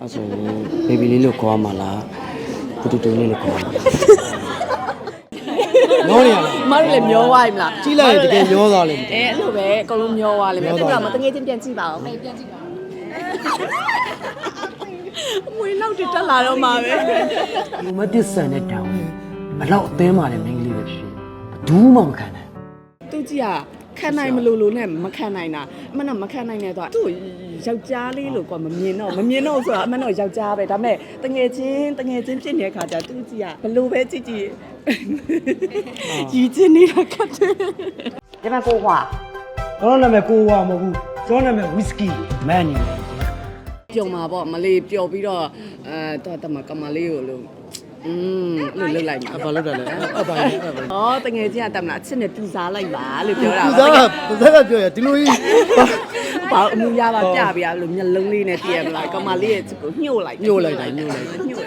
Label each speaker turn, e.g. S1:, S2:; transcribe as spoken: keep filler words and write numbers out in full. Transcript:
S1: အဲ့ဆိုဘေဘီလေးလို့ခေါ်မှာလားတူတူလေးလို့ခေါ်မှာညောနေရလား
S2: မတို့လည်းမျောသွားပြီမလား
S1: ကြည့်လိုက်ရင်တကယ်ညောသွားလိမ့်မယ်
S2: အဲအဲ့လိုပဲအကုန်လုံးမျောသွားလိမ့်မယ်တက်တော့မတငယ်ချင်းပြန်ကြည့်ပါဦးပြန်ကြည့်ပါအမွေနောက်တက်လာတော့မှာပဲ
S1: လူမတစ်ဆန်တဲ့တောင်းဘလောက်အသင်းမာတဲ့မိန်းကလေးပဲဖြစ်ဘူးမှမခံနိုင်
S2: သူကြီးကခံနိုင်မလို့လို့နဲ့မခံနိုင်တာအမှန်တော့မခံနိုင်တဲ့တော့သူ့ယောက်ျားလေးလို့ကွာမမြင်တော့မမြင်တော့ဆိုတာအမှန်တော့ယောက်ျားပဲဒါပေမဲ့တငယ်ချင်းတငယ်ချင်းဖြစ်နေတဲ့ခါကျသူကြီးကဘလို့ပဲကြည့်ကြည့်ရည်ချင်းနေတာခတ်တယ်
S3: ဒီမှာကိုဟွာ
S1: ကျွန်တော်နာမည်ကိုဝါမဟုတ်ဘူးကျွန်တော်နာမည်ဝီစကီမန်နီ
S2: ပြုံမှာပေါ့မလေးပျော်ပြီးတော့အဲတော့တမကမလေးကိုလို့อืมလို့လုတ်လိုက်မှာ
S1: ဘာလုပ်တယ်လဲအဲ့ပါလေအဲ့ပါလေ
S2: ဩတငယ်ချင်းကတမလားအချစ်နဲ့ပြူစားလိုက်ပါလို့ပြောတာ
S1: သူစားကသူစားကပြောရဒီလိုကြီး
S2: ဘာအမှုရပါပြပြလို့မျက်လုံးလေးနဲ့တည့်ရမလားကမလေးရဲ့ကိုညှို့လိုက်
S1: ညှို့လိုက်တာညှို့လိုက်
S2: ညှို့